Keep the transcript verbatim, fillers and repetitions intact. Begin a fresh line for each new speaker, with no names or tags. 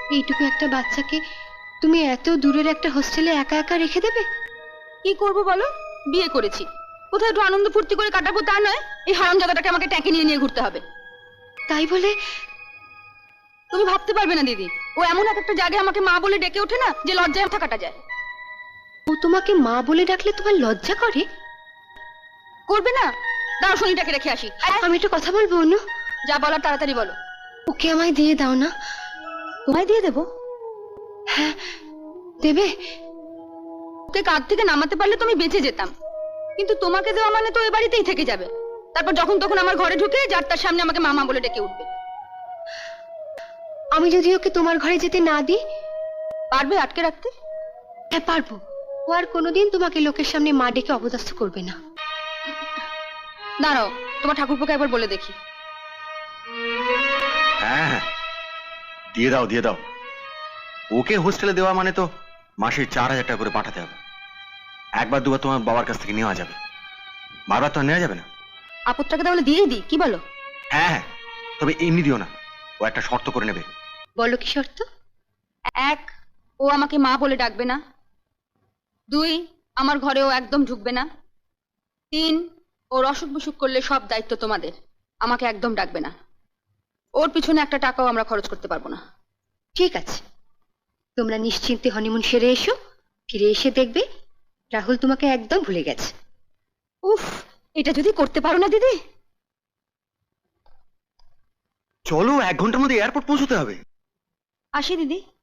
এইটুকু একটা বাচ্চাকে তুমি এত দূরের একটা হোস্টেলে একা একা রেখে দেবে?
কি করবো বলো, বিয়ে করেছি, কোথায় একটু আনন্দ ফুর্তি করে কাটাবো তা নয়, এই হারামজাদাটাকে আমাকে ট্যাঁকে নিয়ে নিয়ে ঘুরতে হবে।
তাই বলে
তুমি ভাবতে পারবে না দিদি, ও এমন এক একটা জায়গায় আমাকে মা বলে ডেকে ওঠে না যে লজ্জায় মাথা কাটা যায়।
ও তোমাকে মা বলে ডাকলে তোমার লজ্জা করে?
করবে না? দাও শনিটাকে রেখে আসি।
আমি একটা কথা বলবো অনু।
যা বলার তাড়াতাড়ি বলো।
ওকে আমায় দিয়ে দাও না।
তোমায় দিয়ে দেবো?
হ্যাঁ দেবে।
ওকে কাঁধ থেকে নামাতে পারলে তুমি বেঁচে যেতাম, কিন্তু তোমাকে দেওয়া মানে তো এ বাড়িতেই থেকে যাবে। তারপর যখন তখন আমার ঘরে ঢুকে যার তার সামনে আমাকে মামা বলে ডেকে উঠবে।
আমি যদি ওকে তোমার ঘরে যেতে না দিই?
পারবে আটকে রাখতে?
হ্যাঁ পারবো। ও আর কোনোদিন তোমাকে লোকের সামনে মা ডেকে অপদস্থ করবে না।
দাঁড়াও, তোমার ঠাকুরপোকে একবার বলে দেখি।
হ্যাঁ হ্যাঁ দিয়ে দাও দিয়ে দাও। ওকে হোস্টেলে দেওয়া মানে তো মাসে চার হাজার টাকা করে পাঠাতে হবে। একবার দুবার তোমার বাবার কাছ থেকে নেওয়া যাবে, বারবার তো আর নেওয়া যাবে না।
আপদটাকে তাহলে দিয়েই দিই, কি বলো?
হ্যাঁ হ্যাঁ, তবে এমনি দিও না, ও একটা শর্ত করে নেবে।
বলো কি শর্ত?
এক, ও আমাকে মা বলে ডাকবে না। দুই, আমার ঘরে ও একদম ঢুকবে না। তিন, ওর অসুখ বিসুখ করলে সব দায়িত্ব তোমাদের, আমাকে একদম ডাকবে না। ওর পিছনে একটা টাকাও আমরা খরচ করতে পারবো না।
ঠিক আছে, তোমরা নিশ্চিন্তে হনিমুন সেরে এসো। ফিরে এসে দেখবে রাহুল তোমাকে একদম ভুলে গেছে।
উফ, এটা যদি করতে পারো না দিদি।
চলো, এক ঘন্টার মধ্যে এয়ারপোর্ট পৌঁছতে হবে।
আসি দিদি।